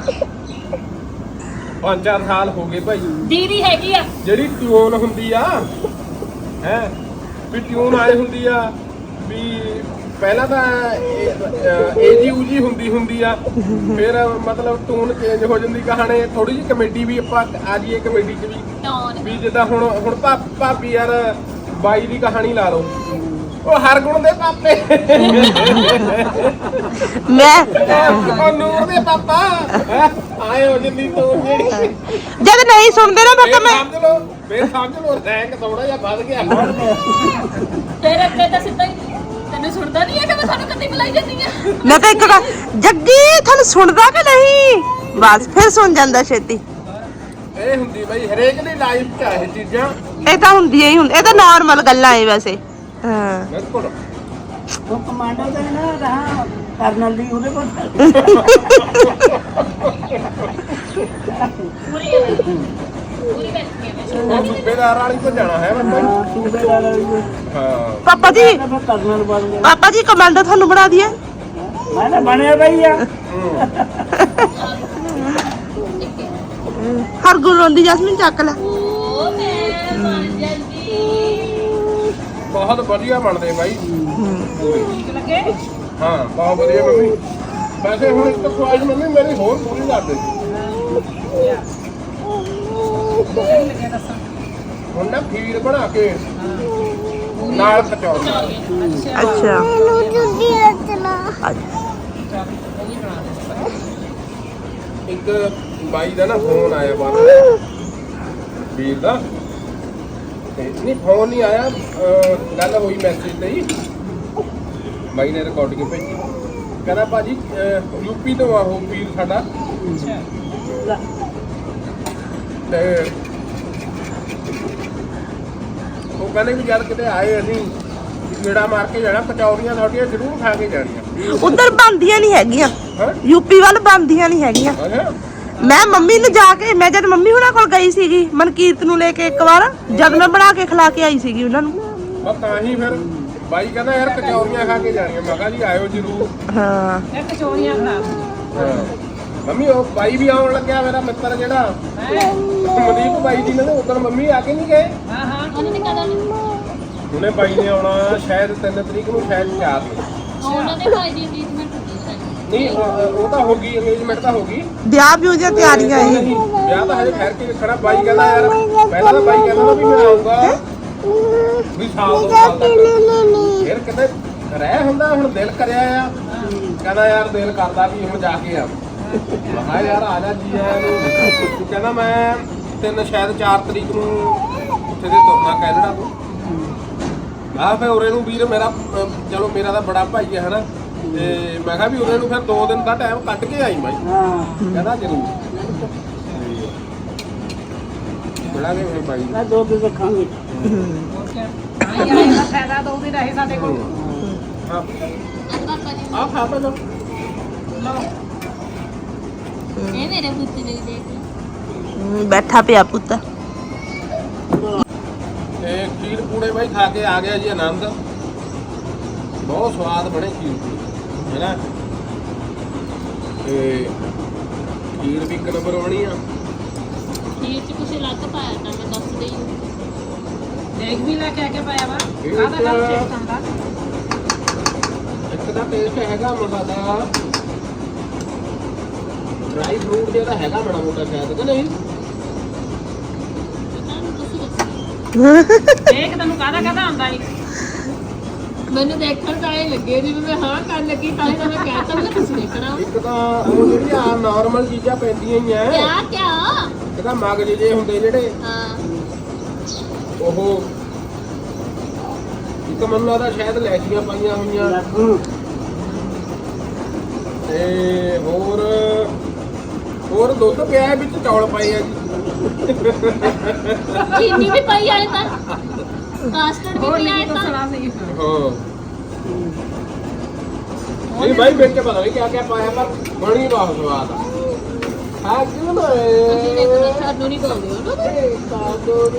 5-4 ਸਾਲ ਹੋ ਗਏ ਭਾਈ, ਦੀਦੀ ਹੈਗੀ ਆ ਜਿਹੜੀ ਟਿਊਨ ਹੁੰਦੀ ਆ ਹੈ ਵੀ ਟਿਊਨ ਆਏ ਹੁੰਦੀ ਆ ਵੀ ਪਹਿਲਾਂ ਤਾਂ ਏਜੀ ਊਜੀ ਹੁੰਦੀ ਆ, ਫਿਰ ਮਤਲਬ ਟਿਊਨ ਚੇਂਜ ਹੋ ਜਾਂਦੀ ਕਹਾਣੀ, ਥੋੜੀ ਜਿਹੀ ਕਮੇਡੀ ਵੀ ਆਪਾਂ ਆ ਜਾਈਏ ਕਮੇਡੀ 'ਚ ਵੀ ਜਿੱਦਾਂ ਹੁਣ ਭਾਬੀ ਯਾਰ ਬਾਈ ਦੀ ਕਹਾਣੀ ਲਾ ਲਓ, ਉਹ ਹਰਗੁਣ ਦੇ ਪਾਪੇ ਮੈਂ ਉਹ ਨੂਰ ਦੇ ਪਾਪਾ ਆਏ ਹੋ ਜਿੰਨੀ ਟਿਊਨ ਜਿਹੜੀ ਜਦ ਨਹੀਂ ਸੁਣਦੇ ਨਾ ਮੈਂ ਸਮਝ ਲਓ ਰੈਂਕ ਥੋੜਾ ਜਿਹਾ ਵੱਧ ਗਿਆ। ਫਿਰ ਅੱਗੇ ਤਾਂ ਸਿੱਧਾ ਹੀ ਤੈਨੂੰ ਸੁਣਦਾ ਨਹੀਂ ਹੈ ਕਿ ਮੈਂ ਤੁਹਾਨੂੰ ਕਦੀ ਬੁਲਾਈ ਜਾਂਦੀ ਆ। ਮੈਂ ਤਾਂ ਇੱਕ ਗੱਲ, ਜੱਗੀ ਤੁਹਾਨੂੰ ਸੁਣਦਾ ਕਿ ਨਹੀਂ, ਬਸ ਫਿਰ ਸੁਣ ਜਾਂਦਾ ਛੇਤੀ। ਇਹ ਹੁੰਦੀ ਬਈ ਹਰੇਕ ਦੀ ਲਾਈਫ 'ਚ ਆ ਇਹ ਚੀਜ਼ਾਂ, ਇਹ ਤਾਂ ਹੁੰਦੀਆਂ ਹੀ ਇਹ ਤਾਂ ਨਾਰਮਲ ਗੱਲਾਂ ਏ ਵੈਸੇ। ਹਾਂ ਬਿਲਕੁਲ। ਉਹ ਕਮਾਂਡੋ ਦਾ ਨਾ ਰਹਾ ਕਰਨਲ ਦੀ ਉਹਦੇ ਕੋਲ ਪੂਰੀ ਬੈਠੀ ਹੈ ਉਹ ਸੂਬੇਦਾਰ ਵਾਲੀ ਤੋਂ ਜਾਣਾ ਹੈ ਬੰਦਾ। ਸੂਬੇਦਾਰ ਵਾਲੀ ਕੋਲ। ਹਾਂ ਪਾਪਾ ਜੀ, ਮੈਂ ਕਰਨਲ ਬਣ ਗਿਆ, ਪਾਪਾ ਜੀ ਕਮਾਂਡੋ ਤੁਹਾਨੂੰ ਬਣਾ ਦਈਏ। ਮੈਂ ਤਾਂ ਬਣਿਆ ਬਈ ਆ। ਹਰ ਗੁਣ ਰੋਂਦੀ ਜੈਸਮੀਨ ਚੱਕ ਲੈ। ਉਹ ਮੈਂ ਬਣ ਜਾਂਦੀ। ਬਹੁਤ ਵਧੀਆ ਬਣਦੇ ਬਾਈ। ਠੀਕ ਲੱਗੇ? ਹਾਂ ਬਹੁਤ ਵਧੀਆ ਮੰਮੀ। ਵੈਸੇ ਹੁਣ ਇੱਕ ਖੁਆਇਸ਼ ਮੰਮੀ ਮੇਰੀ ਹੋਰ ਪੂਰੀ ਕਰ ਦੇ। ਸਹੀ ਲੱਗਿਆ ਦੱਸਾਂ। ਹੁਣ ਨਾ ਖੀਰ ਬਣਾ ਕੇ ਨਾਲ ਕਚੌੜੀ। ਅੱਛਾ ਅੱਛਾ ਉਹ ਵੀ ਬਣਾ ਦੇ। ਇੱਕ ਬਾਈ ਦਾ ਨਾ ਫੋਨ ਆਇਆ ਬਾਹਰ ਵੀਰ ਦਾ, ਤੇ ਨਹੀਂ ਫੋਨ ਨਹੀਂ ਆਇਆ, ਗੱਲ ਹੋਈ ਮੈਸੇਜ ਤੇ ਹੀ। ਬਾਈ ਨੇ ਰਿਕਾਰਡਿੰਗ ਭੇਜੀ, ਕਹਿੰਦਾ ਭਾਜੀ ਯੂਪੀ ਤੋਂ ਆ ਉਹ ਵੀਰ ਸਾਡਾ, ਅੱਛਾ ਤੇ ਉਹ ਕਹਿੰਦੇ ਵੀ ਜਦ ਕਿਤੇ ਆਏ ਅਸੀਂ ਕੀੜਾ ਮਾਰ ਕੇ ਜਾਣਾ, ਕਚੌਰੀਆਂ ਤੁਹਾਡੀਆਂ ਜ਼ਰੂਰ ਖਾ ਕੇ ਜਾਣੀਆਂ। ਉਧਰ ਬੰਦੀਆਂ ਨਹੀਂ ਹੈਗੀਆਂ, ਹਾਂ ਯੂਪੀ ਵੱਲ ਬੰਦੀਆਂ ਨਹੀਂ ਹੈਗੀਆਂ। ਅੱਛਾ ਮੈਂ ਮੰਮੀ ਨੂੰ ਜਾ ਕੇ, ਮੈਂ ਜਦ ਮੰਮੀ ਹੁਣਾਂ ਕੋਲ ਗਈ ਸੀਗੀ ਮਨਕੀਰਤ ਨੂੰ ਲੈ ਕੇ ਇੱਕ ਵਾਰ, ਜਦ ਮੈਂ ਬਣਾ ਕੇ ਖਿਲਾ ਕੇ ਆਈ ਸੀਗੀ ਉਹਨਾਂ ਨੂੰ। ਬਸ ਤਾਂ ਹੀ ਫਿਰ ਬਾਈ ਕਹਿੰਦਾ ਯਾਰ ਕਚੌਰੀਆਂ ਖਾ ਕੇ ਜਾਣੀਆਂ। ਮੈਂ ਕਿਹਾ ਜੀ ਆਇਓ ਜ਼ਰੂਰ। ਹਾਂ ਇਹ ਕਚੋਰੀਆਂ ਖਰਾਬ ਹਾਂ ਮੰਮੀ ਉਹ ਬਾਈ ਵੀ ਆਉਣ ਲੱਗਿਆ, ਮੇਰਾ ਮਿੱਤਰ ਜਿਹੜਾ ਹੈ। ਮਨਦੀਪ ਬਾਈ ਜੀ ਨੇ ਉਦੋਂ ਮੰਮੀ ਆ ਕੇ ਨਹੀਂ ਗਏ। ਹਾਂ ਹਾਂ ਉਹਨਾਂ ਨੇ ਕਹਦਾ ਉਹਨੇ ਬਾਈ ਨੇ ਆਉਣਾ ਸ਼ਾਇਦ 3 ਤਰੀਕ ਨੂੰ, ਸ਼ਾਇਦ 4 ਨੂੰ। ਉਹਨਾਂ ਦੇ ਭਾਈ ਦੀ ਇੰਗੇਜਮੈਂਟ ਹੁੰਦੀ ਹੈ। ਨਹੀਂ ਉਹ ਤਾਂ ਹੋ ਗਈ, ਅੰਗੇਜਮੈਂਟ ਤਾਂ ਹੋ ਗਈ। ਵਿਆਹ ਵਿਊਹ ਦੀਆਂ ਤਿਆਰੀਆਂ ਇਹ। ਨਹੀਂ, ਵਿਆਹ ਤਾਂ ਹਜੇ ਠਹਿਰ ਕੇ ਵੇਖਣਾ। ਬਾਈ ਕਹਿੰਦਾ ਯਾਰ ਪਹਿਲਾਂ ਤਾਂ ਬਾਈ ਕਹਿੰਦਾ ਵੀ ਮੈਂ ਆਊਂਗਾ ਵੀ ਸਾਲ 2 ਸਾਲ ਤੱਕ, ਫਿਰ ਕਿਤੇ ਰਹਿ ਹੁੰਦਾ। ਹੁਣ ਦਿਲ ਕਰਿਆ ਆ, ਕਹਿੰਦਾ ਯਾਰ ਦਿਲ ਕਰਦਾ ਵੀ ਹੁਣ ਜਾ ਕੇ ਆ। ਮੈਂ ਕਿਹਾ ਯਾਰ ਆ ਜਾ ਜੀ ਆਇਆਂ ਨੂੰ। ਕਹਿੰਦਾ ਮੈਂ 3 ਸ਼ਾਇਦ 4 ਤਰੀਕ ਨੂੰ ਉੱਥੇ ਦੇ ਤੁਰਨਾ ਕੈਨੇਡਾ ਤੋਂ। ਆ ਫੇ ਉਰੇ ਨੂੰ ਵੀਰ ਮੇਰਾ ਚਲੋ ਮੇਰਾ ਤਾਂ ਬੜਾ ਭਾਈ ਹੈ ਹਨਾ, ਤੇ ਮੈਂ ਕਿਹਾ ਵੀ ਉਰੇ ਨੂੰ ਫਿਰ 2 ਦਿਨ ਦਾ ਟਾਈਮ ਕੱਢ ਕੇ ਆਈ ਬਾਈ। ਹਾਂ ਕਹਿੰਦਾ ਜ਼ਰੂਰ ਬੜਾ ਕੇ ਮੇਰੇ ਬਾਈ ਮੈਂ 2 ਦਿਨ ਰੱਖਾਂਗੇ। ਹੋਰ ਕੀ ਆਈ ਆਈ ਦਾ ਫਾਇਦਾ ਤਾਂ ਉਹਦੇ ਰਹੇ ਸਾਡੇ ਕੋਲ। ਆ ਪਾਪਾ ਜੀ ਆ ਖਾ ਪਾ ਲਓ ਇਹ ਮੇਰੇ ਪੁੱਤ ਨੇ ਦੇਖ ਬੈਠਾ ਪਿਆ ਪੁੱਤ। ਤੇ ਖੀਰ ਪੂੜੇ ਬਾਈ ਖਾ ਕੇ ਆ ਗਿਆ ਜੀ ਆਨੰਦ। ਬਹੁਤ ਸਵਾਦ ਬਣੇ ਖੀਰ ਪੂੜੇ ਹੈਨਾ, ਤੇ ਖੀਰ ਵੀ ਇੱਕ ਨੰਬਰ ਬਣੀ ਆ। ਖੀਰ ਚ ਕੁਛ ਅਲੱਗ ਪਾਇਆ ਤਾਂ ਮੈਂ ਦੱਸ ਦਈ। ਦੇਖ ਵੀ ਲੈ ਕੇ ਆ ਕੇ ਪਾਇਆ ਵਾ। ਇਹ ਕਾਹਦਾ ਕੰਮ ਚੇਕ ਹੁੰਦਾ? ਇੱਕ ਦਾ ਟੇਸਟ ਹੈਗਾ ਮੋਟਾ ਦਾ ਡਰਾਈ ਫਰੂਟ ਜਿਹੜਾ ਹੈਗਾ ਬੜਾ ਮੋਟਾ ਸ਼ਾਇਦ ਕਿ ਨਹੀਂ। ਤੁਸੀਂ ਦੱਸੋ ਦੇਖ ਤੈਨੂੰ ਕਾਹਦਾ ਕਾਹਦਾ ਆਉਂਦਾ ਈ। ਮੈਨੂੰ ਦੇਖਣ ਤਾਂ ਇਹ ਲੱਗੇ ਜਿਵੇਂ ਮੈਂ ਹਾਂ ਕਰਨ ਲੱਗੀ, ਤਾਂ ਹੀ ਤਾਂ ਮੈਂ ਕਹਿਤਾ ਮੈਂ ਤੁਸੀਂ ਦੇਖਣਾ ਇੱਕ ਤਾਂ ਉਹ ਜਿਹੜੀ ਆ ਨਾਰਮਲ ਚੀਜ਼ਾਂ ਪੈਂਦੀਆਂ ਹੀ ਆ। ਕਿਆ ਕਿਆ ਇੱਕ ਤਾਂ ਮਗਜ ਜੇ ਹੁੰਦੇ ਜਿਹੜੇ ਹਾਂ ਉਹ, ਇੱਕ ਮੈਨੂੰ ਲੱਗਦਾ ਸ਼ਾਇਦ ਲੈਚੀਆਂ ਪਾਈਆਂ ਹੋਈਆਂ, ਤੇ ਹੋਰ ਦੁੱਧ ਪਿਆ ਹੈ, ਵਿੱਚ ਚੌਲ ਪਏ ਆ ਜੀ। ਚੀਨੀ ਵੀ ਪਾਈ ਆਏ ਤਾਂ ਕਾਸਟਰਡ ਵੀ ਹੋਰ ਪਿਆ ਨਹੀਂ ਹੈ ਤਾਂ ਦੱਸਣਾ ਸੀ ਹਾਂ ਨਹੀਂ ਭਾਈ ਵਿੱਚ ਪਤਾ ਨਹੀਂ ਕਿਆ ਪਾਇਆ ਪਰ ਬਣੀ ਬਹੁਤ ਸਵਾਦ ਆ। ਹਾਂ ਕਿਉਂ ਨਾ ਤੁਸੀਂ ਦੇਖੋ ਸਾਨੂੰ ਨਹੀਂ ਪਾਉਂਦੇ ਹੋ ਨਾ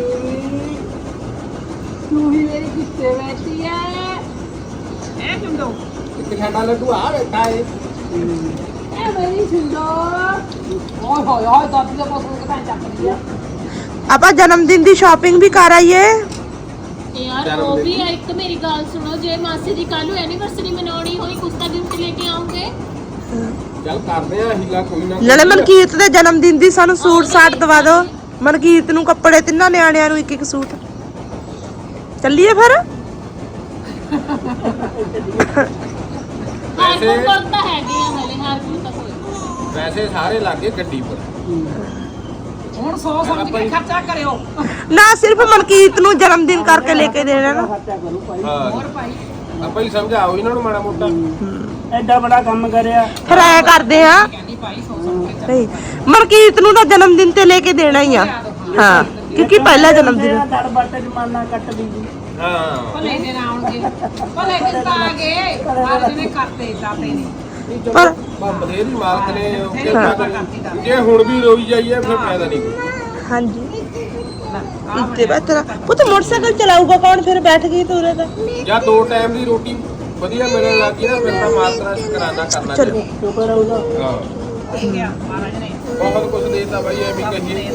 ਤੂੰ ਹੀ ਮੇਰੀ ਕਿੱਥੇ ਬੈਠੀ ਐ ਇਹ ਚੁੰਦੋ ਇੱਕ ਸਾਡਾ ਲੱਡੂ ਆ ਬੈਠਾ ਏ। ਇਹ ਮੇਰੀ ਛਿੰਦੋ ਓਏ ਹੋਏ ਹੋਏ ਦਾਦੀ ਦਾ ਪਾਸ ਨੂੰ ਤਾਂ ਚੱਕ ਲਿਆ ਆਪਾਂ ਜਨਮ ਦਿਨ ਦੀ ਸ਼ਾਪਿੰਗ ਵੀ ਕਰ ਆਈਏ। ਯਾਰ ਉਹ ਵੀ ਆ, ਇੱਕ ਮੇਰੀ ਗੱਲ ਸੁਣੋ, ਜੇ ਮਾਸੀ ਦੀ ਕੱਲ ਨੂੰ ਐਨੀਵਰਸਰੀ ਮਨਾਉਣੀ ਹੋਈ ਕੁਛ ਤਾਂ ਗਿਫਟ ਲੈ ਕੇ ਆਉਂਗੇ। ਚੱਲ ਕਰਦੇ ਆ ਹੀਲਾ ਕੋਈ ਨਾ। ਨਾਲੇ ਮਨਕੀਰਤ ਦੇ ਜਨਮ ਦਿਨ ਦੀ ਸਾਨੂੰ ਸੂਟ ਸਾਟ ਦਵਾ ਦਿਓ। ਮਨਕੀਰਤ ਨੂੰ ਕੱਪੜੇ ਤਿੰਨਾਂ ਨਿਆਣਿਆਂ ਨੂੰ ਇੱਕ ਇੱਕ ਸੂਟ। ਚੱਲੀਏ ਫਿਰ। ਹਰ ਕੋਲ ਤਾਂ ਹੈਗੇ ਆ ਹਲੇ, ਹਰ ਕੋਲ ਤਾਂ ਕੋਈ ਵੈਸੇ ਸਾਰੇ ਲੱਗੇ ਗੱਡੀ ਪਰ। ਹੁਣ 100 ਸਮਝ ਕੇ ਖਰਚਾ ਕਰਿਓ ਨਾ ਸਿਰਫ ਮਨਕੀਰਤ ਨੂੰ ਜਨਮ ਦਿਨ ਕਰਕੇ ਲੈ ਕੇ ਦੇਣਾ ਨਾ। ਖਰਚਾ ਕਰੂ ਭਾਈ ਹਾਂ ਹੋਰ ਭਾਈ ਆਪਾਂ ਹੀ ਸਮਝਾਓ ਇਹਨਾਂ ਨੂੰ ਮਾੜਾ ਮੋਟਾ। ਐਡਾ ਬੜਾ ਕੰਮ ਕਰਿਆ ਫਿਰ ਐ ਕਰਦੇ ਆ ਕਹਿੰਦੀ ਭਾਈ 100 ਸਮਝ ਕੇ ਨਹੀਂ, ਮਨਕੀਰਤ ਨੂੰ ਤਾਂ ਜਨਮ ਦਿਨ ਤੇ ਲੈ ਕੇ ਦੇਣਾ ਹੀ ਆ। ਹਾਂ ਕਿਉਂਕਿ ਪਹਿਲਾ ਜਨਮ ਦਿਨ। ਤੇਰਾ ਦੜ ਬੱਟ ਜਮਾਨਾ ਕੱਟ ਦੀ ਜੀ ਹਾਂ ਭਲੇ ਦਿਨ ਆਉਣਗੇ ਭਲੇ ਦਿਨ ਤਾਂ ਆ ਗਏ ਮਾਲਕ ਨੇ ਕਰਤੇ ਦਾਤੇ ਨੇ ਪਰ ਬਥੇਰੀ ਮਾਲਕ ਨੇ ਕਿਰਪਾ ਕਰੀ। ਜੇ ਹੁਣ ਵੀ ਰੋਈ ਜਾਈਏ ਫਿਰ ਫਾਇਦਾ ਨਹੀਂ ਕੋਈ। ਹਾਂਜੀ ਇੱਥੇ ਬੈਠਾ ਪੁੱਤ ਮੋਟਰਸਾਈਕਲ ਚਲਾਊਗਾ ਕੌਣ ਫਿਰ ਬੈਠ ਗਈ ਤੂੰ ਉਰੇ ਤਾਂ। ਜਾਂ 2 ਟਾਈਮ ਦੀ ਰੋਟੀ ਵਧੀਆ ਮਿਲਣ ਲੱਗੀ ਨਾ ਫਿਰ ਤਾਂ ਮਾਤਰਾ ਸ਼ੁਕਰਾਨਾ ਕਰਨਾ ਚਲੋ। ਚਾਹੀਦਾ। ਸ਼ੁਕਰ ਹੈ ਉਹਦਾ ਹਾਂ ਗਿਆ ਮਹਾਰਾਜ ਨੇ ਬਹੁਤ ਕੁਝ ਦੇਤਾ ਬਾਈ ਐਵੇਂ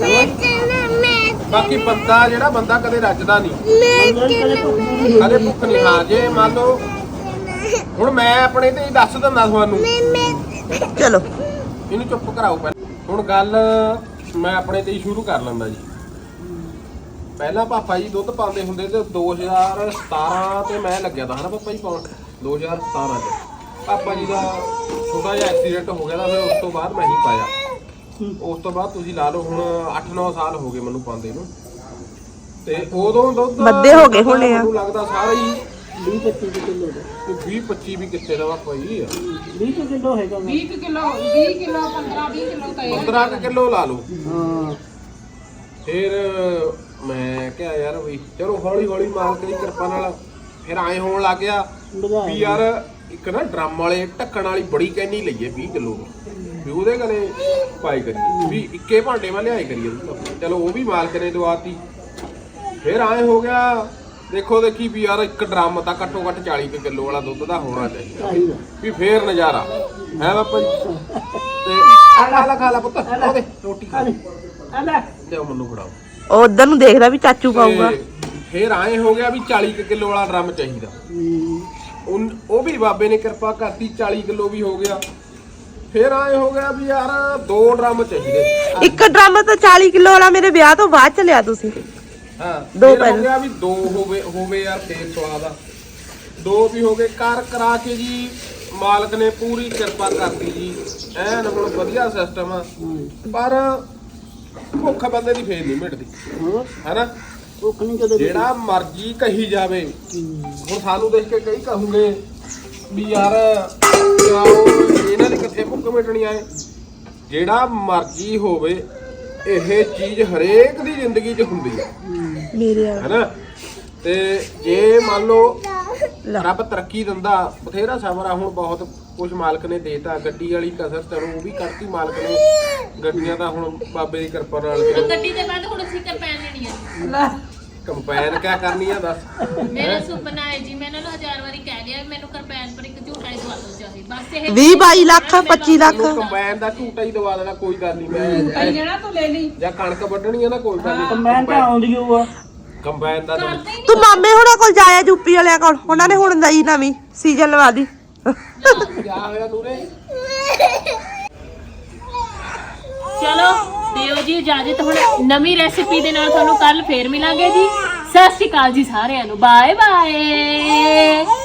ਕਹੀਏ। ਬਾਕੀ ਬੰਦਾ ਜਿਹੜਾ ਬੰਦਾ ਕਦੇ ਰੱਜਦਾ ਨਹੀਂ, ਕਦੇ ਭੁੱਖ ਨਹੀਂ। ਹਾਂ ਜੇ ਮੰਨ ਲਓ ਹੁਣ ਮੈਂ ਆਪਣੇ ਤੇ ਹੀ ਦੱਸ ਦਿੰਦਾ ਤੁਹਾਨੂੰ, ਚਲੋ ਇਹਨੂੰ ਚੁੱਪ ਕਰਾਓ ਪਹਿਲਾਂ। ਹੁਣ ਗੱਲ ਮੈਂ ਆਪਣੇ ਤੇ ਹੀ ਸ਼ੁਰੂ ਕਰ ਲੈਂਦਾ ਜੀ। ਪਹਿਲਾਂ ਪਾਪਾ ਜੀ ਦੁੱਧ ਪਾਉਂਦੇ ਹੁੰਦੇ ਤੇ 2017 ਤੇ ਮੈਂ ਲੱਗਿਆ ਤਾਂ ਹਨਾ ਪਾਪਾ ਜੀ ਪਾਉਣ 2017 ਚ ਪਾਪਾ ਜੀ ਦਾ ਛੋਟਾ ਜਿਹਾ ਐਕਸੀਡੈਂਟ ਹੋ ਗਿਆ ਤਾਂ ਫਿਰ ਉਸ ਤੋਂ ਬਾਅਦ ਮੈਂ ਹੀ ਪਾਇਆ। ਉਸ ਤੋਂ ਬਾਅਦ ਤੁਸੀਂ ਲਾ ਲਓ ਹੁਣ 8-9 ਸਾਲ ਹੋ ਗਏ ਮੈਨੂੰ ਪਾਉਂਦੇ ਨੂੰ। ਤੇ ਉਦੋਂ ਦੁੱਧ ਵੱਧੇ ਹੋ ਗਏ ਹੋਣੇ ਆ। ਮੈਨੂੰ ਲੱਗਦਾ ਸਾਰਾ ਹੀ 20-25 ਕਿਲੋ ਦਾ 20-25 ਵੀ ਕਿੱਥੇ ਦਾ ਪਾਪਾ ਜੀ 20 ਕਿਲੋ ਹੈਗਾ 20 ਕਿਲੋ 20 ਕਿਲੋ 15-20 ਕਿਲੋ ਤਾਂ ਇਹ 15 ਕਿਲੋ ਲਾ ਲਓ। ਹਾਂ ਫਿਰ ਮੈਂ ਕਿਹਾ ਯਾਰ ਵੀ ਚਲੋ ਹੌਲੀ ਹੌਲੀ ਮਾਲਕ ਦੀ ਕਿਰਪਾ ਨਾਲ ਫਿਰ ਐਂ ਹੋਣ ਲੱਗ ਗਿਆ ਵੀ ਯਾਰ ਇੱਕ ਨਾ ਡਰਮ ਵਾਲੇ ਢੱਕਣ ਵਾਲੀ ਬੜੀ ਕੈਨੀ ਲਈਏ 20 ਕਿਲੋ ਵੀ ਉਹਦੇ ਗਲੇ ਪਾਈ ਕਰੀਏ ਵੀ ਇੱਕੇ ਭਾਂਡੇ ਮੈਂ ਲਿਆਏ ਕਰੀਏ। ਚਲੋ ਉਹ ਵੀ ਮਾਲਕ ਨੇ ਦਵਾਤੀ। ਫਿਰ ਐਂ ਹੋ ਗਿਆ ਦੇਖੋ ਦੇਖੀ ਵੀ ਯਾਰ ਇੱਕ ਡਰਮ ਤਾਂ ਘੱਟੋ ਘੱਟ 40 ਕਿਲੋ ਵਾਲਾ ਦੁੱਧ ਦਾ ਹੋਣਾ ਚਾਹੀਦਾ ਵੀ ਫੇਰ ਨਜ਼ਾਰਾ ਹੈ ਬਾਪਾ ਜੀ। ਤੇ ਖਾ ਲਾ ਪੁੱਤ ਉਹਦੇ ਰੋਟੀ ਖਾ ਆ ਲੈ ਲਿਓ ਮੈਨੂੰ ਫੜਾਓ। ਉਹ ਉਧਰ ਨੂੰ ਦੇਖਦਾ ਵੀ ਚਾਚੂ ਪਾਊਗਾ। ਤੇ ਫਿਰ ਐਂ ਹੋ ਗਿਆ ਵੀ 40 ਕਿਲੋ ਵਾਲਾ ਡਰਮ ਚਾਹੀਦਾ। ਉਹ ਵੀ ਬਾਬੇ ਨੇ ਕਿਰਪਾ ਕਰਤੀ 40 ਕਿਲੋ ਵੀ ਹੋ ਗਿਆ। ਫਿਰ ਐਂ ਹੋ ਗਿਆ ਵੀ ਯਾਰ 2 ਡਰਮ ਚਾਹੀਦੇ। ਇੱਕ ਡਰਮ ਤਾਂ 40 ਕਿਲੋ ਵਾਲਾ ਮੇਰੇ ਵਿਆਹ ਤੋਂ ਬਾਅਦ ਚ ਲਿਆ ਤੁਸੀਂ। ਹਾਂ ਦੋ ਫਿਰ ਹੋ ਪਹਿਲਾਂ। ਗਿਆ ਵੀ 2 ਹੋਵੇ ਯਾਰ ਫੇਰ ਸਵਾਦ ਆ। 2 ਵੀ ਹੋ ਗਏ ਕਰਾ ਕੇ ਜੀ ਮਾਲਕ ਨੇ ਪੂਰੀ ਕਿਰਪਾ ਕਰਤੀ ਜੀ। ਐਨ ਹੁਣ ਵਧੀਆ ਸਿਸਟਮ ਆ ਪਰ ਭੁੱਖ ਬੰਦੇ ਦੀ ਫੇਰ ਨਹੀਂ ਮਿਟਦੀ ਹੈਨਾ। ਭੁੱਖ ਨਹੀਂ ਕਦੇ ਜਿਹੜਾ ਮਰਜੀ ਕਹੀ ਜਾਵੇ। ਹੁਣ ਸਾਨੂੰ ਦੇਖ ਕੇ ਕਈ ਕਹੂਗੇ ਵੀ ਯਾਰ ਇਹਨਾਂ ਦੀ ਕਿੱਥੇ ਭੁੱਖ ਮਿਟਣੀ ਆਏ। ਜਿਹੜਾ ਮਰਜੀ ਹੋਵੇ ਇਹ ਚੀਜ਼ ਹਰੇਕ ਦੀ ਜ਼ਿੰਦਗੀ 'ਚ ਹੁੰਦੀ ਹੈ ਮੇਰੇ ਹੈਨਾ। ਤੇ ਜੇ ਮੰਨ ਲਓ ਰੱਬ ਤਰੱਕੀ ਦਿੰਦਾ ਬਥੇਰਾ ਸਬਰ ਆ। ਹੁਣ ਬਹੁਤ ਕੁਝ ਮਾਲਕ ਨੇ ਦੇਤਾ। ਗੱਡੀ ਵਾਲੀ ਕਸਰ ਚਲੋ ਉਹ ਵੀ ਕਰਤੀ ਮਾਲਕ ਨੇ। ਗੱਡੀਆਂ ਤਾਂ ਹੁਣ ਬਾਬੇ ਦੀ ਕਿਰਪਾ ਨਾਲ ਗੱਡੀ ਦੇ ਬਾਅਦ ਹੁਣ ਅਸੀਂ ਕੰਪੈਨ ਲੈਣੀ ਹੈ। ਲੈ ਕੰਪੈਨ ਕਿਆ ਕਰਨੀ ਆ ਦੱਸ। ਮੇਰਾ ਸੁਪਨਾ ਹੈ ਜੀ, ਮੈਂ ਇਹਨਾਂ ਨੂੰ 1000 ਵਾਰੀ ਕਹਿ ਲਿਆ ਵੀ ਮੈਨੂੰ ਕੰਪੈਨ ਪਰ ਇੱਕ ਝੂਟਾ ਹੀ ਦਵਾ ਦਿਓ ਚਾਹੇ ਬਸ ਇਹ 20-22 ਲੱਖ 25 ਲੱਖ। ਤੈਨੂੰ ਕੰਬਾਈਨ ਦਾ ਝੂਟਾ ਹੀ ਦਵਾ ਦੇਣਾ ਕੋਈ ਗੱਲ ਨਹੀਂ। ਕਈ ਮੈਂ ਜਣਾ ਤੂੰ ਲੈ ਲਈ ਜਾਂ ਕਣਕ ਵੱਢਣੀ ਹੈ ਨਾ ਕੋਈ ਗੱਲ ਨਹੀਂ। ਮੈਂ ਤਾਂ ਆਉਂਦੀ ਹੋਊ ਆ ਕੰਬਾਈਨ ਦਾ ਤਾਂ ਕਰਦੇ ਹੀ ਤੂੰ ਮਾਮੇ ਹੁਣਾਂ ਕੋਲ ਜਾਇਆ ਯੂਪੀ ਵਾਲਿਆਂ ਕੋਲ। ਉਹਨਾਂ ਨੇ ਹੁਣ ਨਈ ਨਵੀਂ ਸੀਜ਼ਨ ਲਵਾ ਦੀ। ਕਿਆ ਹੋਇਆ ਨੂਰੇ। ਚਲੋ ਦਿਓ ਜੀ ਇਜਾਜ਼ਤ। ਹੁਣ ਨਵੀਂ ਰੈਸਿਪੀ ਦੇ ਨਾਲ ਤੁਹਾਨੂੰ ਕੱਲ ਫੇਰ ਮਿਲਾਂਗੇ ਜੀ। ਸਤਿ ਸ਼੍ਰੀ ਅਕਾਲ ਜੀ ਸਾਰਿਆਂ ਨੂੰ। Bye bye.